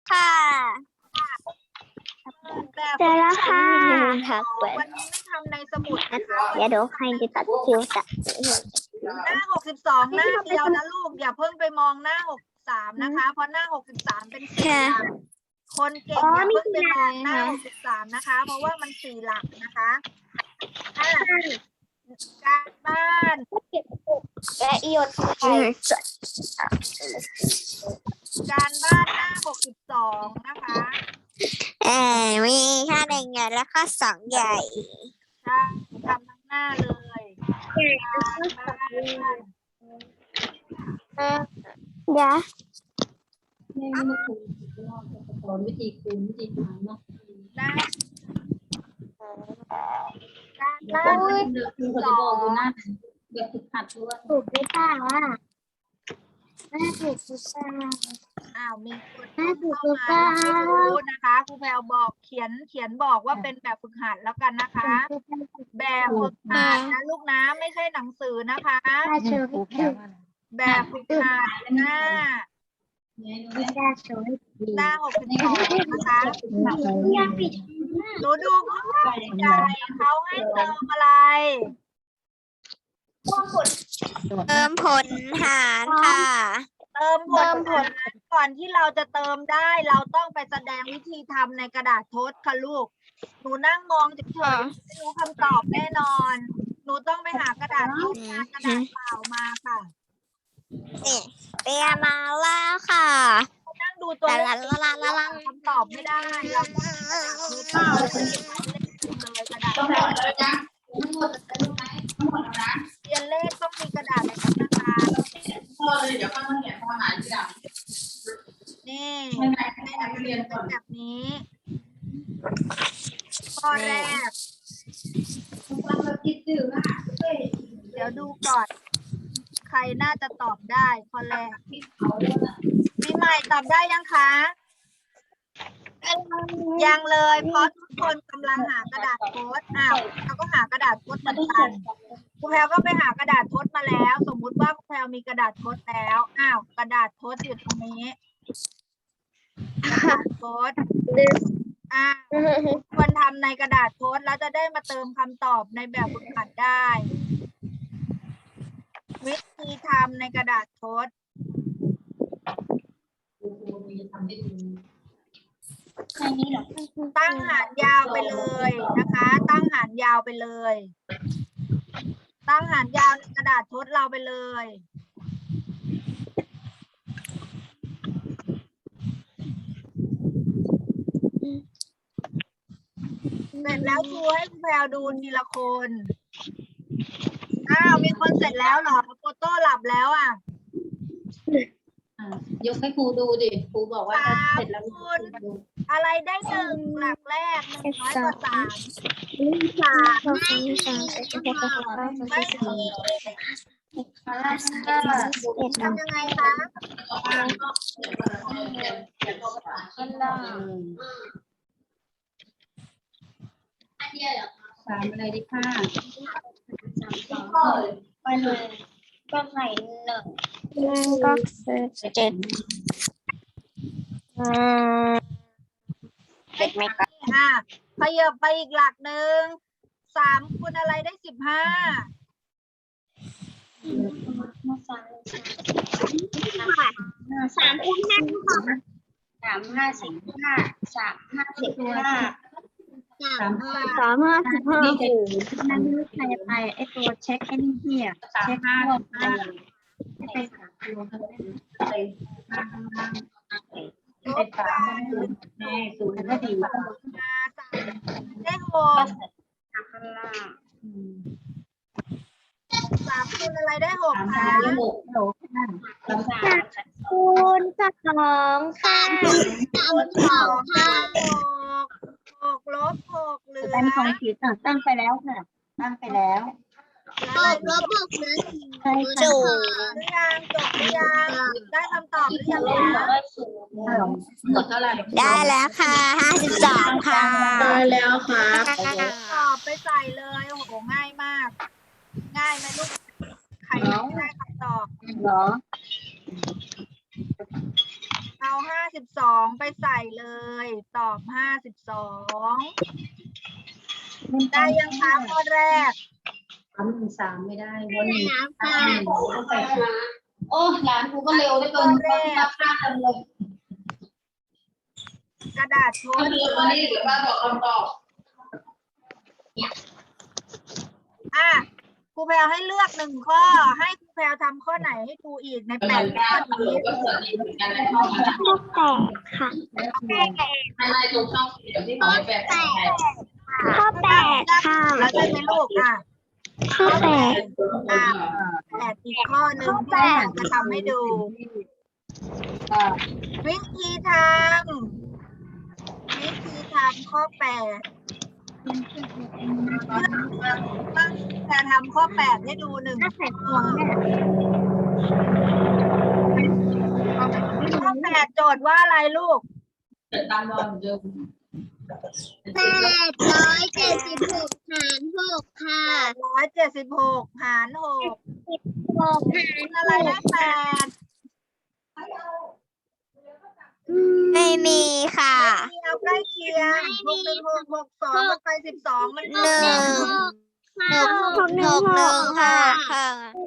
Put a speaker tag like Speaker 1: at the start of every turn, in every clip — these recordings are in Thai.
Speaker 1: ค่ะ
Speaker 2: แบบ
Speaker 1: เจอแล้วค่ะ
Speaker 2: วันนี้ไม่ทำในสมุดนะคะ
Speaker 1: เดี๋ยวเดี๋ยวใครจะตัดคิวตัด
Speaker 2: หน้า62หน้าเดียวนะลูกอย่าเพิ่งไปมองหน้า63นะคะ เพราะหน้า63เป็น4 หลักคนเก่งอย่าเพิ่งไปมองหน้า63นะคะ เพราะว่ามัน4 หลักนะคะการบ้าน
Speaker 1: และอีด
Speaker 2: การบ้านหน้า62นะคะ
Speaker 1: มีค่าหนึ่งใหญ่และค่าสองใหญ่
Speaker 2: ใช่ทำทั้งหน้าเลยการบ้าน
Speaker 1: เดี๋ยว
Speaker 3: ไม่มาคุยสอนวิธีคูณวิธีหารเนาะ
Speaker 2: นะการ
Speaker 3: แล้
Speaker 2: บ้าน
Speaker 3: วครูเขาจะบอกดูหน้าแบบฝึกหัดด้วย
Speaker 1: ถูกหรือเปล่าอ่ะแม่ถูกหรือเปล่า
Speaker 2: มีคนเข้ามาไม่รู้นะคะครูแพรวบอกเขียนบอกว่าเป็นแบบฝึกหัดแล้วกันนะคะ แบบฝึกหัดนะลูกนะไม่ใช่หนังสือนะคะ
Speaker 1: ถ้าเชอพี่ถูก
Speaker 2: แบบฝึกหัดหน้า
Speaker 1: ถ้าเชอพี่
Speaker 2: หน้า62นะคะ
Speaker 1: ยังปิด
Speaker 2: หนูดูข้างล่างใหญ่เขาให้เติมอะไร
Speaker 1: เติมผลหารค่ะ
Speaker 2: เติมผลก่อนที่เราจะเติมได้เราต้องไปแสดงวิธีทำในกระดาษทดค่ะลูก หนูนั่งมองเฉยๆไม่รู้คำตอบแน่นอน หนูต้องไปหากระดาษทดมากระดาษเปล่ามาค่ะ
Speaker 1: นี่เตรียมมาแล้วค่ะ
Speaker 2: นั่งดูตัวเลขคำตอบไม่ได้เราต้องกระดาษทดเปล่าเลยกระดาษเรียนเลขต้องมีกระดาษแบบนี้นะคะนี่ให้นักเรียนเป็นแบบนี้ข้อแรกเดี๋ยวดูก่อนใครน่าจะตอบได้ข้อแรกปีใหม่ตอบได้ยังคะยังเลยเพราะทุกคนกำลังหากระดาษโพสต์เราก็หากระดาษโพสต์เหมือนกันครูแพรก็ไปหากระดาษโพสต์มาแล้ว สมมุติว่าครูแพรมีกระดาษโพสต์แล้วกระดาษโพสต์อยู่ตรงนี้กระดาษโพสต์ควรทำในกระดาษโพสต์แล้วจะได้มาเติมคำตอบในแบบฝึกหัดได้ วิธีทำในกระดาษโพสต์ตั้งหารยาวไปเลยนะคะ ตั้งหารยาวไปเลย ตั้งหารยาวในกระดาษโพสต์เราไปเลยเสร็จแล้วครูให้ครูแพรวดูทีละคนมีคนเสร็จแล้วเหรอโฟโต้หลับแล้ว
Speaker 3: ยกให้ครูดูดิครูบอกว่าถ้าเสร็จแล้วดู
Speaker 2: อะไรได้1 หลักแรก100 กว่า 3ไม่มีทำยังไงคะ
Speaker 3: สามอะไรดีค่ะ
Speaker 1: ไปเลยก็ใส่1ก็คือ7ไหมคะ
Speaker 2: ขยับไปอีกหลักหนึ่ง3คูณอะไรได้15
Speaker 1: 3 คูณ 5 3 5 15 3 5
Speaker 3: นี่จะ
Speaker 1: นั่นใครไปไอตัวเช็คไอ้นี่ที่เช็คพวกไปหาตัวเขาได้
Speaker 3: เป็นสามแม่ศูนย์ก็ดี
Speaker 2: ได้6 3คูณอะไรได้6คะ
Speaker 1: คูณ2ค่ะ
Speaker 2: คูณ2ค่ะ6ลบ6เหลือ
Speaker 3: ตั้งสองขีดตั้งไปแล้วค่ะตั้งไปแล้ว
Speaker 1: ลบ6เหลือ
Speaker 2: ห
Speaker 1: 0
Speaker 2: รือยังจบหรือยังได้คำตอบหรือยังคะ
Speaker 3: หมดเท่าไหร่
Speaker 1: ได้แล้วค่ะ52ค่ะ
Speaker 3: ได้แล้วครับ
Speaker 2: ตอบไปใส่เลยโอ้โหง่ายมาก ง่ายไหมลูกใครยังไม่ได้คำตอบ
Speaker 3: เหรอ
Speaker 2: เอาเอา52ไปใส่เลย ตอบ52ได้ยังคะข้อแรก
Speaker 3: 313ไม่ได้วนหนึ่งโอ้หลานกูก็เร็วได้เกินราคาเต็มเลย
Speaker 2: กระดาษโพสต์
Speaker 3: วันนี้เดี๋ยวป้าบอกคำตอบ
Speaker 2: ครูแพรวให้เลือก1 ข้อ ให้ครูแพรวทำข้อไหนให้ครูอีกใน8 ข้อนี้
Speaker 3: ก็เสิร์ฟเหมือนกันในห้องนะ
Speaker 1: ข้อแปดค่ะ
Speaker 3: อะไรตรงช่องเดี๋ยวที่เขาไม่แปลไทย
Speaker 1: ข้อแปดค่ะ
Speaker 2: แล้วใช่ไหมลูก
Speaker 1: ข้อแปด
Speaker 2: 8อีกข้อหนึ่งที่แพรวจะทำให้ดู วิธีทำข้อ 8จะทำข้อ 8ให้ดู1 ข้อ ข้อ 8 โจทย์ว่าอะไรลูก
Speaker 3: ตามรอยเดิม
Speaker 1: 876 หาร 6 ค่ะ
Speaker 2: 176 หาร 6 อะไรได้8
Speaker 1: ไม่มีค่ะ
Speaker 2: ไม่มีเอาใกล้เคียง616 62ไป12มันก็
Speaker 1: 6 ค่ะค่ะ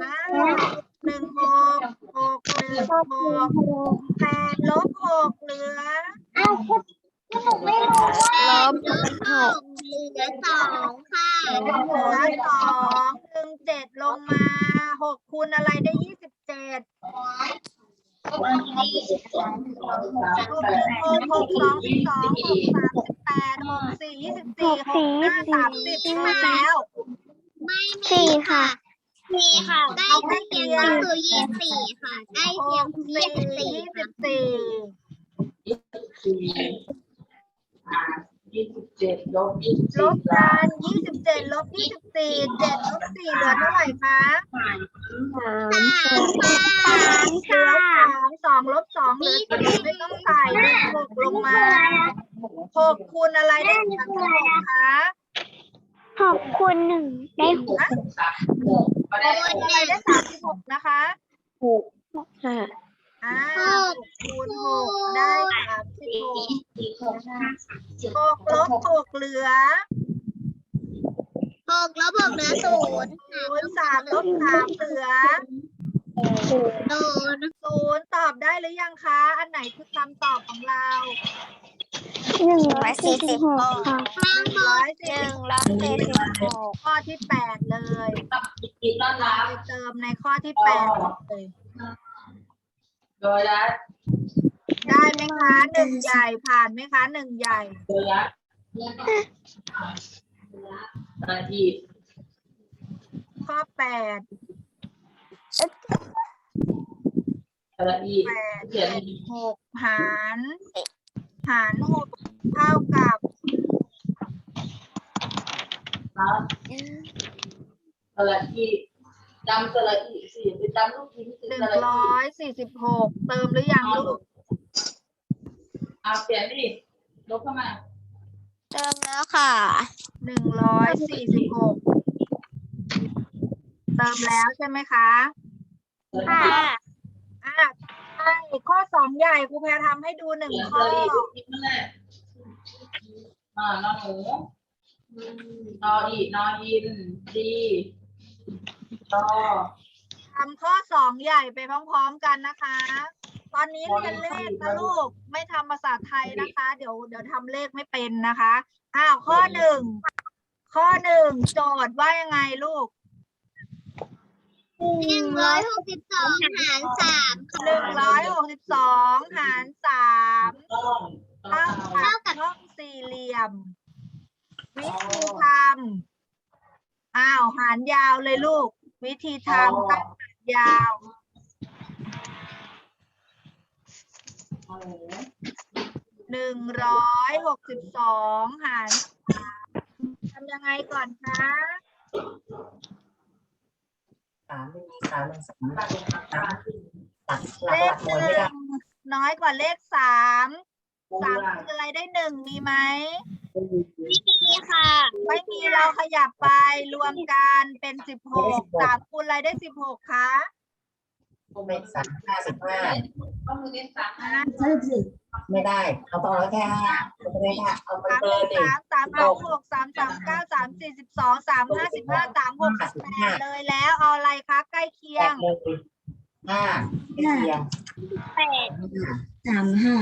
Speaker 2: 8 ลบ 6 เหลือ
Speaker 1: ไม่รู้ว่าลบ 6 เหลือ 2 ค่ะ
Speaker 2: เหลือ2 7ลงมา 6 คูณอะไรได้ 27 6 1 6 6 2 12 6 3 18 6 4 24 6 5 30แล้ว
Speaker 1: 4 ค่ะ ค่ะ ใกล้เคียงก็คือ24 ค่ะ ใกล้เคียงคือ
Speaker 3: 27ลบ
Speaker 2: ลบกัน27 ลบ 24 7 ลบ 4 เหลือเท่าไหร่คะ
Speaker 1: 3 ค่ะ
Speaker 2: 2 ลบ 2 เหลือ4ไม่ต้องใส่6ลงมา 6 คูณอะไรได้36คะ
Speaker 1: 6 คูณ 1 ได้ 6
Speaker 2: อะไรได้36นะคะ
Speaker 1: ค่ะ
Speaker 2: 6 คูณ 6 ได้36 6 ลบ 6 เหลือ
Speaker 1: 6 ลบ 6 เหลือ 0
Speaker 2: 3 ลบ 3 เหลือ 0 ตอบได้หรือยังคะ อันไหนคือคำตอบของเรา
Speaker 1: 146 ค่ะ
Speaker 2: 146 ข้อที่ 8 เลย
Speaker 3: กินต้อนรับ
Speaker 2: ไปเติมในข้อที่ 8 เลย
Speaker 3: โดยรัฐ
Speaker 2: ได้ไหมคะ1ใหญ่ผ่านไหมคะ1ใหญ่
Speaker 3: โดยรัฐอาทิตย์
Speaker 2: ข้อ 8
Speaker 3: ละอีเขียน
Speaker 2: 6 หาร 6 เท่ากับ
Speaker 3: ละอีจำสละอีสิไปจำลูกชิ้นสิสละอี
Speaker 2: 146 เติมหรือยังลูก
Speaker 3: เอาเปลี่ยนดิลบเข้ามา
Speaker 1: เติมแล้วค่ะ
Speaker 2: 146 เติมแล้วใช่ไหมคะ
Speaker 1: ค่ะ
Speaker 2: ใช่ข้อ 2 ใหญ่ครูแพรทำให้ดู1 ข้อ
Speaker 3: นอนหนูนออีนออินดีตอ
Speaker 2: ทำข้อ 2 ใหญ่ไปพร้อมๆกันนะคะ ตอนนี้เรียนเลขนะลูก ไม่ทำภาษาไทยนะคะ เดี๋ยวทำเลขไม่เป็นนะคะ ข้อ 1 โจทย์ว่ายังไงลูก
Speaker 1: 162 หาร 3
Speaker 2: 162 หาร 3
Speaker 3: ต้อง
Speaker 2: เท่ากับช่องสี่เหลี่ยม วิธีทำหารยาวเลยลูก วิธีทำตั้งหารยาว 162 หาร 3 ทำยังไงก่อนคะ เลข 1 น้อยกว่าเลข 3 3คืออะไรได้ 1 มีไหม
Speaker 1: นี่ค่ะ
Speaker 2: ไม่มีเราขยับไปรวมกันเป็น 16 3 คูณอะไรได้ 16 คะ
Speaker 4: เป็น3 55
Speaker 3: ก็มือเล่นสาม
Speaker 2: อ่ะ
Speaker 4: ใช่สิไม่ได้เอาต่อแล้วแค่ห้าไม่ได้ค่ะเอามัน
Speaker 2: สาม
Speaker 4: เกินดิ
Speaker 2: สามหกสามเก้าสามสี่12 35 15 36 18เลยแล้วเอาอะไรคะใกล้เคีย
Speaker 4: แป
Speaker 2: ง
Speaker 4: ดเลยห้าเคียง
Speaker 1: แปด35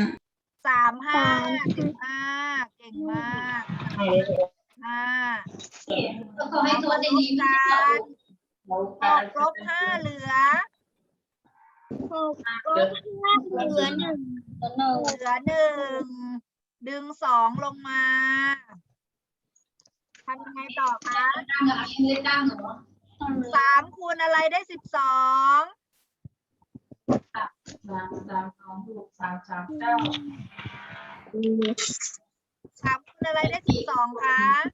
Speaker 2: 35 15เก่งมาก
Speaker 4: ให้เลย
Speaker 2: 5
Speaker 3: ก็ให้ตัวในนี้มันจะ
Speaker 2: 6 ลบ 5เหลือ
Speaker 1: เหลือ1
Speaker 2: เหลือ 1 ดึง 2 ลงมาทำยังไงต่อคะ
Speaker 3: ตั้งอะไรเล่นตั้งเหรอ
Speaker 2: 3 คูณอะไรได้ 12
Speaker 3: 3 2 6 3 3 9
Speaker 2: 3 คูณอะไรได้ 12 คะ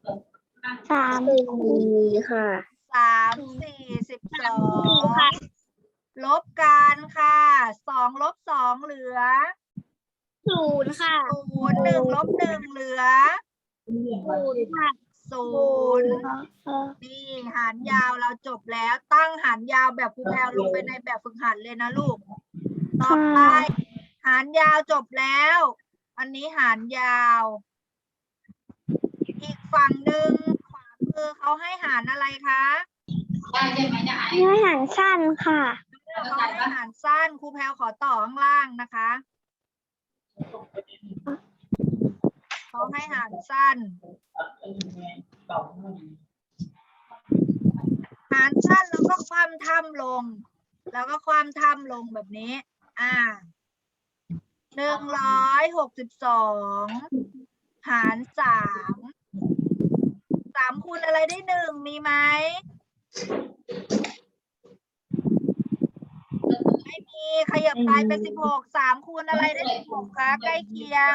Speaker 1: 3ค่ะ
Speaker 2: 3 4 12 ลบกันค่ะ 2 ลบ 2 เหลือ
Speaker 1: 0ค่ะ
Speaker 2: 0 1 ลบ 1 เหลือ
Speaker 1: 0ค่ะ
Speaker 2: 0 นี่หารยาวเราจบแล้วตั้งหารยาวแบบครูแพรวลงไปในแบบฝึกหัดเลยนะลูก ต่อไปหารยาวจบแล้ว อันนี้หารยาว อีกฝั่งหนึ่งขวามือเขาให้หารอะไรคะ
Speaker 3: ได้ใช่ไหมเนี่ย
Speaker 1: เนื้อหารสั้นค่ะ
Speaker 2: เขาให้หารสั้นครูแพรวขอต่อข้างล่างนะคะเขาให้หารสั้น หารสั้นแล้วก็คว่ำถ้ำลง แล้วก็คว่ำถ้ำลงแบบนี้ 162 หาร 3 คูณอะไรได้ 1 มีไหม ไม่มีขยับไปเป็น 16 3 คูณอะไรได้ 16 คะใกล้เคียง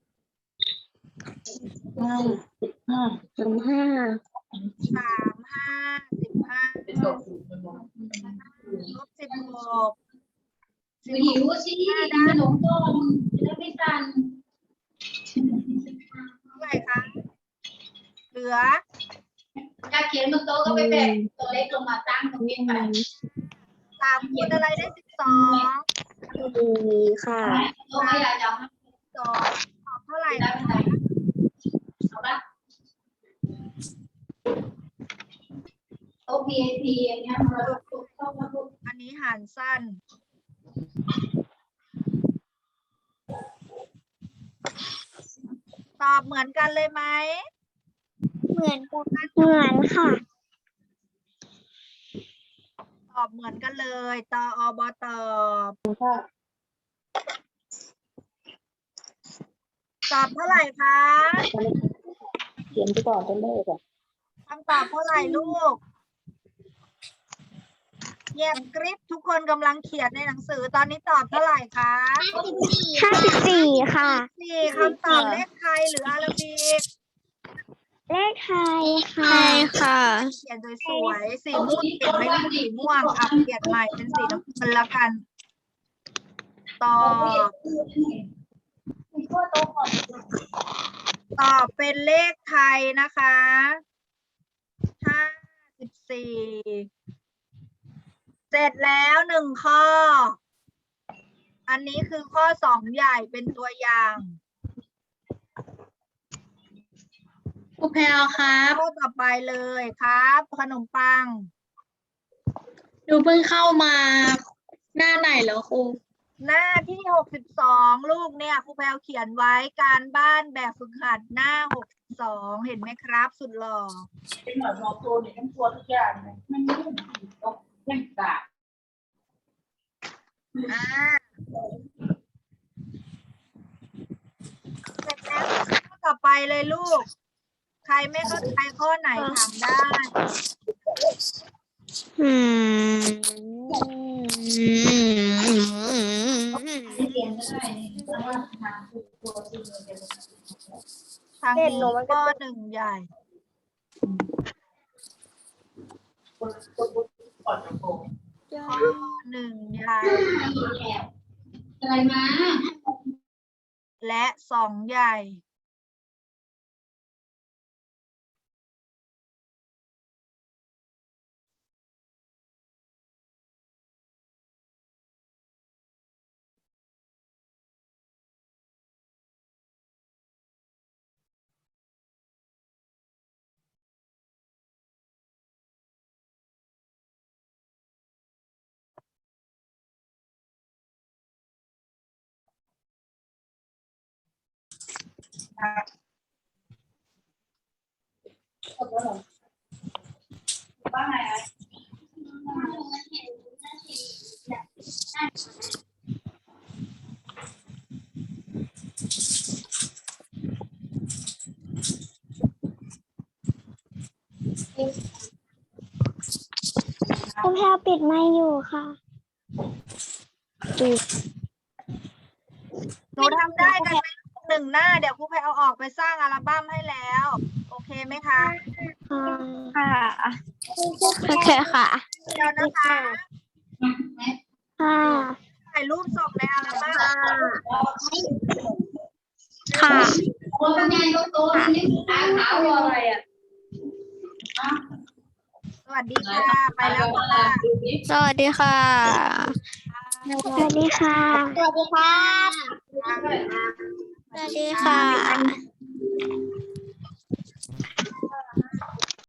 Speaker 2: 35 15 15 ลบ 16
Speaker 3: หิวสิกินขนมก่อนจะได้ไม่สั่น
Speaker 2: เท่าไหร่คะ เหลือ
Speaker 3: ถ้าเขียนบนโต๊ะก็ไปแบกตัวเล็กลงมาตั้งตรงนี้ไป
Speaker 2: 3 คูณอะไรได้ 12
Speaker 1: ค่ะ
Speaker 3: โต๊ะไม่ได้จะ
Speaker 2: 2 ตอบเท่าไหร่
Speaker 3: ได้
Speaker 2: คะ
Speaker 3: ไม่ได้เอาละโต๊ะ VIP อย่างเงี้ยเราเข้ามาพูด
Speaker 2: อันนี้หารสั้น ตอบเหมือนกันเลยไหม
Speaker 1: เหมือนค่ะ
Speaker 2: ตอบเหมือนกันเลยตอบตอบ ตอบเท่าไหร่คะ
Speaker 1: เขียนไปก่อนเป็นเลขอ่ะ
Speaker 2: คำตอบเท่าไหร่ลูกเงียบกริบทุกคนกำลังเขียนในหนังสือตอนนี้ตอบเท่าไหร่คะ
Speaker 1: 54ค่ะ
Speaker 2: 4คำตอบเลขไทยหรืออาราบิก
Speaker 1: เลขไทยค่ะ
Speaker 2: เขียนสวยๆสีม่วงเปลี่ยนไม่เป็นสีม่วงอ่ะเปลี่ยนใหม่เป็นสีน้ำเงินแล้วกัน ตอบเป็นเลขไทยนะคะ54เสร็จแล้ว1 ข้อ อันนี้คือข้อ2ใหญ่เป็นตัวอย่าง
Speaker 1: ครูแพลครับ
Speaker 2: ข้อต่อไปเลยครับ ขนมปัง
Speaker 1: หนูเพิ่งเข้ามาหน้าไหนแล้วครู
Speaker 2: หน้าที่62ลูกเนี่ยครูแพรวเขียนไว้การบ้านแบบฝึกหัดหน้า62เห็นไหมครับ สุดหล่อ
Speaker 3: เป็นเหมือนมอตัวเนี่ยทั้งตัวทุกอย่างเลยไม่ยุ่งตกเล่นกา
Speaker 2: เสร็จแล้วข้อต่อไปเลยลูก ใครไม่เข้าใจข้อไหนถามได้
Speaker 3: ที่เรียนก็ได้เพราะว่าทางตัวจริงเลย
Speaker 2: ทางนี้ข้อ1ใหญ่
Speaker 3: ก่อนจะโกง
Speaker 2: ข้อ1ใหญ่
Speaker 3: อะไรมา
Speaker 2: และ2ใหญ่
Speaker 3: ว่าไง
Speaker 5: คุณแพลวปิดไมค์อยู่ค่ะ
Speaker 2: หนูทำได้กันไหมหนึ่งหน้าเดี๋ยวครูแพรเอาออกไปสร้างอัลบั้มให้แล้ว โอเคไหมคะ
Speaker 5: ค่ะโอเคค่ะ
Speaker 2: เดี๋ยวนะคะ
Speaker 5: ค่ะ
Speaker 2: ถ่ายรูปส่งในอัลบั้ม
Speaker 5: ค่ะ
Speaker 3: คนงานก็โตนี่ขาวอะไรอ่ะ
Speaker 2: สวัสดีค่ะ ไปแล้วค่ะ
Speaker 5: สวัสดีค่ะ สวัสดีค่ะ สวัสดีค่ะ สวัสดีค่ะ